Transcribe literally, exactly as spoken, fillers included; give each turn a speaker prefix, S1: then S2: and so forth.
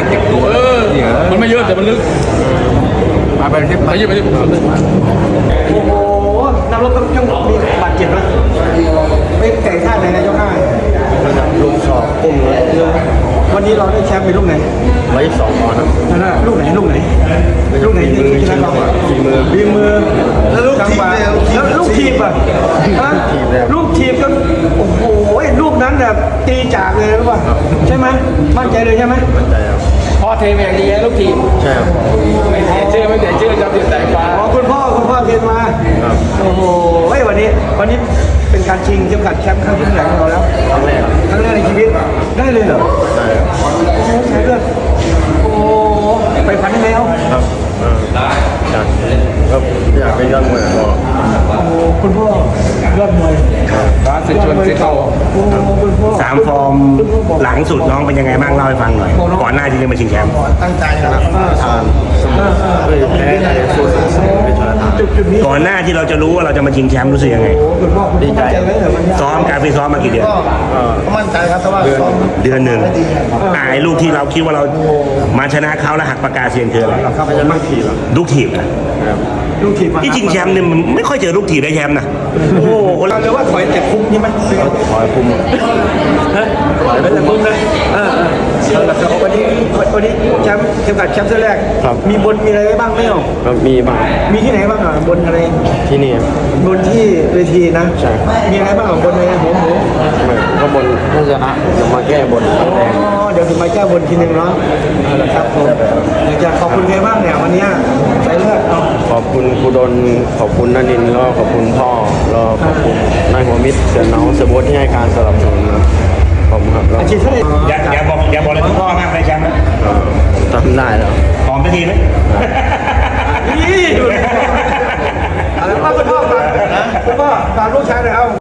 S1: เจ็บตัวเออมันไม่เยอะแต่มันลึกมาไปที่ไปที่ไปที่ผม
S2: โอ้โหนักรบต้องยังมีบาดเจ็บนะไม่ไก่ท่าไหนนะเจ้าข้า
S3: ลูกสอบปุ่มเลย
S2: วันนี้เราได้แชมป์เป็นลูกไหน
S3: ร้อยสองปอนด์ครับ
S2: นั่นแหละลูกไหนลูกไหนลูกไหนที่ชนะเรา
S3: ฝีมือ
S2: ฝีมือแล้วลูกทีมแล้วลูกทีมอ่ะลูกทีมก็โอ้โหลูกนั้นแบบตีจากเลยรู้ป่ะใช่ไหมมั่นใจเลยใช่ไหม
S3: มั่นใจครับ
S1: พ่อเทมอย่างดีลูกทีม
S3: ใช่ครับ
S1: ไม่เสียชื่อไม่เสียชื่อจำติดแต่ฟ้า
S2: อ๋อคุณพ่อคุณพ่อเทนมาโอ้โหวันนี้วันนี้เป็นการชิงเข็มขัดแชมป์ครั้งที่เท่าไหร่ของเราแล้ว
S3: ครั้งแรก
S2: ครั้งแรกในชีวิตได้เลยเหรอ
S3: ได้ครับ
S2: โอ้ใช่เลยโอ้ไปพันได้แล้ว
S3: ครับได้อยากก็อยากเป็นยอดมวยก็
S2: โอ้คุณพ่อยอดมวย
S1: ฟ้าสิชวนสิเข้า
S4: สามฟอร์มหลังสุดน้องเป็นยังไงบ้างเล่าให้ฟังหน่อยก่อนหน้าที่จะมาชิงแชมป์
S3: ตั้งใจนะทานเฮ้ยแพ้ใจสู้สุดเป็นชนะทาน
S4: ก่อนหน้าที่เราจะรู้ว่าเราจะมาชิงแชมป์รู้สึกยังไง
S3: ดีใจ
S4: ซ้อมการไปซ้อมมากี่เดือน
S3: ก็มั่นใจครับแต่ว่าซ้อม
S4: เดือนหนึ่งอ่าไอ้ลูกที่เราคิดว่าเรามาชนะเขาแล้วหักปากกาเซียนคืออะไร
S3: ไม่ใช่ลูกถีบ
S4: ลูกถีบนะ
S2: ลูกทีม
S4: ที่จริงแชมป์เนี่ยมันไม่ค่อยเจอลูกถีบได้แชมป์นะโอ้โห
S2: เราเรียกว่าถอยแต่คุ้มใช่ไหม
S3: ถอยคุม
S2: ถอยแต่คุ้มนะอ่าอ่าวันนี้วันนี้แชมป์เข็มขัดแชมป์เส้นแรกมีบนมีอะไรบ้างไหมอ่ะ
S3: ก็มีบ้าง
S2: มีที่ไหนบ้างอ่ะบนอะไร
S3: ที่นี่
S2: บนที่เวทีนะ
S3: ใช่
S2: มีอะไรบ้างบนอะไรหัวหมู
S3: ก็บนถ้าชนะจะมาแก้บน
S2: อ๋อเดี๋ยวถึงมาแก้บนทีนึงเนาะครับผมอยากจะขอบคุณใครบ้างเนี่ยวันนี้ใจเลือด
S3: ขอบคุณครูดลขอบคุณนันินแล้วขอบคุณพ่อแล้วขอบคุณนายหัวมิตรเสือน้องเสือโบ๊ทที่ให้การสนับสนุนครับขอบคุณครับ
S2: อาชีพเท่าไหร่
S4: อย่าอย่าบอกอย่าบอกเลยทุกพ่อมากเลยแชมป์นะ
S3: ทำได้แล้ว
S4: หอมไปทีไหม
S2: นี่อะไรบ้างคุณพ่อฝากคุณพ่อฝากลูกชายหน่อยเอา